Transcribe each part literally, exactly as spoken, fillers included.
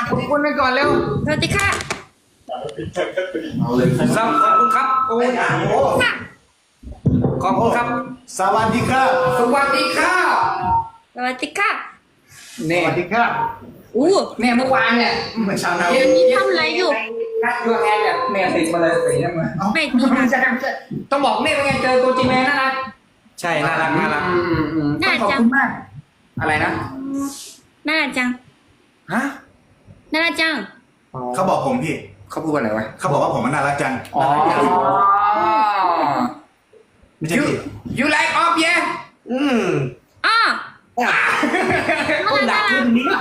ขอบคุณไปก่อนเร็วสวัสดีค่ะเอาเลยขอบคุณครับโอ้ยค่ะขอบคุณครับสวัสดีครับสวัสดีครับสวัสดีค่ะสเนี่ยวัสดีครับอู้เนี่ยเมื่อวานเนี่ยเหมือนชาวนาเดี๋ยวนี้ทำอะไรอยู่นัดยูแฮนเนี่ยเนี่ยติดมาเลยสีน้ำเงินไม่มีนะต้องบอกเนี่ยเป็นไงเจอตัวจริงเลยน่ารักใช่น่ารักน่ารักอืมอืมต้องขอบคุณมาก อะไรนะน่ารักจังฮะน่ารักจังเขาบอกผมพี่เขาพูดว่าอะไรวะเขาบอกว่าผมมันน่ารักจังอ๋อไม่ใช่ you พี่ you like off yeah อืมอ้อก้มดักขึ้นนี้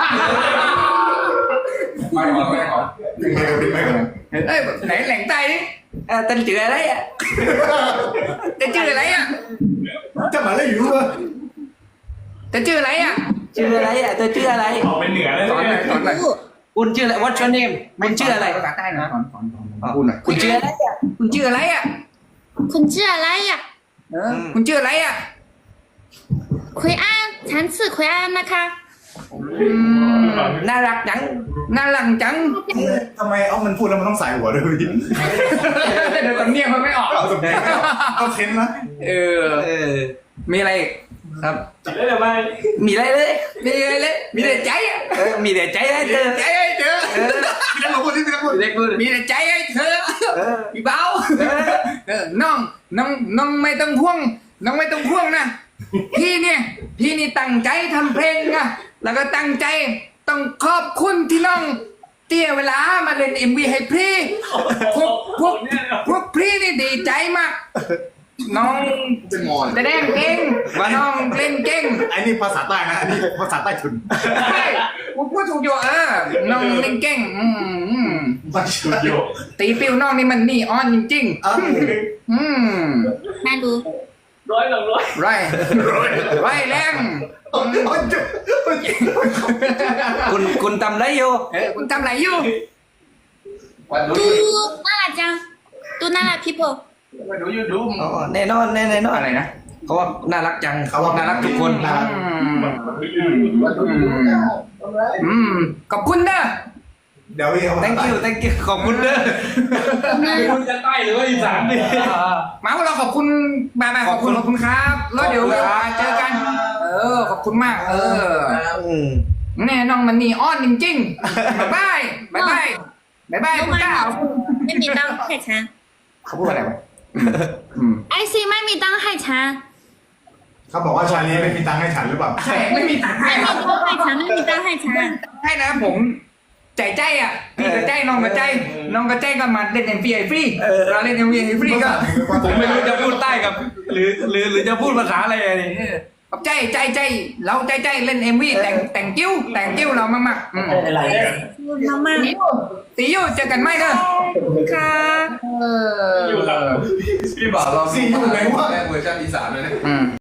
ไม่ออกไม่ออกดึงไปก่อนดึงไปก่อนเอ้ยไหนแหล่งใต้ดิเออตันจืออะไรอ่ะจะชื่ออะไรอ่ะจะมาเล่นอยู่เหรอจะชื่ออะไรอ่ะชื่ออะไรอ่ะเธอชื่ออะไรออกเป็นเหนือเลยสอนหน่อยสอนหน่อยอู้คุณชื่ออะไร What's your name คุณชื่ออะไรภาษาใต้หน่อยสอนสอนสอนพูดหน่อยคุณชื่ออะไรอ่ะคุณชื่ออะไรอ่ะคุณชื่ออะไรอ่ะเออคุณชื่ออะไรอ่ะคุยอ้านฉันชื่อคุยอ้านนะคะอืมน่ารักจังน่ารักจังทำไมเอามันพูดแล้วมันต้องสายหัวด้วยพี่เดี๋ยวสำเนียงมันไม่ออกเอาสมองไม่ออกเอาเค้นนะเออเออมีอะไรอีกครับจับได้หรือไม่มีอะไรเลยมีอะไรเลยมีแต่ใจอ่ะเออมีแต่ใจให้เธอใจให้เธอพี่นักพูดที่พี่นักพูดเด็กพูดมีแต่ใจให้เธอเออพี่เบาเออน้องน้องน้องไม่ต้องห่วงน้องไม่ต้องห่วงนะพี่เนี่ยพี่นี่ตั้งใจทำเพลงนะแล้วก็ตั้งใจต้องขอบคุณที่น้องเตี้ยเวลามาเล่นเอ็มวีให้พี่พวกพวกพวกพี่นี่ดีใจมากน้องเป็นมอนแสดงเก่งน้องเล่นเก่งไอ้นี่ภาษาใต้นะอันนี้ภาษาใต้ทุนใช่ผมพูดถูกอยู่เออน้องเล่นเก่งอืมอืมบ้าชุดโยตีปิวน้องนี่มันนี่ออนจริงเอ้าๆอืมไม่รู้ร้อยหลังร้อยไรไรแรงโอ้ยจุ๊บคุณคุณทำอะไรอยู่เออคุณทำอะไรอยู่ดูน่ารักจังดูน่ารัก people มาดูยูทูบอ๋อแน่นอนแน่แน่นอนอะไรนะเขาว่าน่ารักจังเขาว่าน่ารักทุกคนน่ารักอืมขอบคุณเด้อเดี๋ยวพี่เขา thank you thank you ขอบคุณเด้อคุณจะใต้หรือว่าอีสานดิมาพวกเราขอบคุณมามาขอบคุณขอบคุณครับแล้วเดี๋ยวเวลาเจอกัน เออขอบคุณมาก เอออืมแน่น้องมันนี่อ้อนจริงๆบายบายบายบายบายบายรู้คุไหมณก้าวไม่มีตังค์ให้ฉันเขาพูดอะไรวะอืมไอซีไม่มีตังค์ให้ฉันเขาบอกว่าชาลีไม่มีตังค์ให้ฉันหรือเปล่าใช่ไม่มีตังค์ให้ไม่คมีรับตังค์ให้ฉันไม่มีตังค์ให้ฉันให้นะผมใจใจอ่ะพี่กับใจน้องกับใจน้องกับใจก็มาเล่นเอ็มวีไอฟรีเราเล่นเอ็มวีไอฟรีก็ผมไม่รู้จะพูดใต้กับ หรือหรือหรือจะพูดภาษาอะไรนี่กับใจใจใจเราใจใจเล่นเอ็มวีแต่งแต่งกิ้วแต่งกิ้วเรามากๆอืมอะไรพูดมากตีอยู่เจอกันไหมเด้อๆค่ะเอออยู่ครับพี่บ่าวเราสี่อยู่ไหนวะแรกเวอร์ชันอีสานเลยนะอืม